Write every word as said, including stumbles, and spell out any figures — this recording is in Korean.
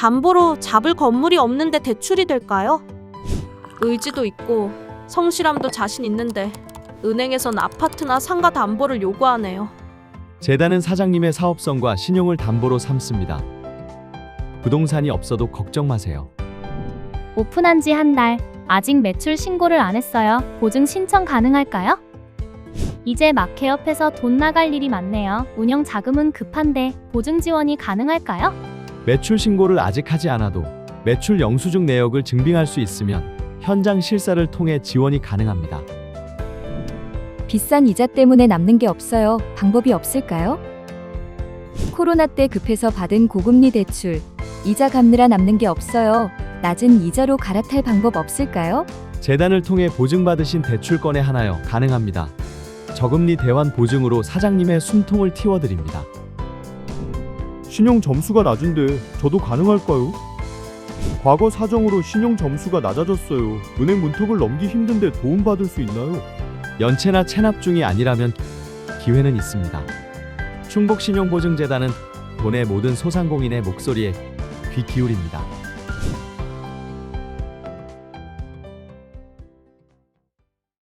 담보로 잡을 건물이 없는데 대출이 될까요? 의지도 있고 성실함도 자신 있는데 은행에선 아파트나 상가 담보를 요구하네요. 재단은 사장님의 사업성과 신용을 담보로 삼습니다. 부동산이 없어도 걱정 마세요. 오픈한 지 한 달, 아직 매출 신고를 안 했어요. 보증 신청 가능할까요? 이제 막 개업해서 돈 나갈 일이 많네요. 운영 자금은 급한데 보증 지원이 가능할까요? 매출 신고를 아직 하지 않아도 매출 영수증 내역을 증빙할 수 있으면 현장 실사를 통해 지원이 가능합니다. 비싼 이자 때문에 남는 게 없어요. 방법이 없을까요? 코로나 때 급해서 받은 고금리 대출, 이자 갚느라 남는 게 없어요. 낮은 이자로 갈아탈 방법 없을까요? 재단을 통해 보증받으신 대출건에 하나요 가능합니다. 저금리 대환 보증으로 사장님의 숨통을 틔워드립니다. 신용 점수가 낮은데 저도 가능할까요? 과거 사정으로 신용 점수가 낮아졌어요. 은행 문턱을 넘기 힘든데 도움받을 수 있나요? 연체나 체납 중이 아니라면 기회는 있습니다. 충북신용보증재단은 돈의 모든 소상공인의 목소리에 귀 기울입니다.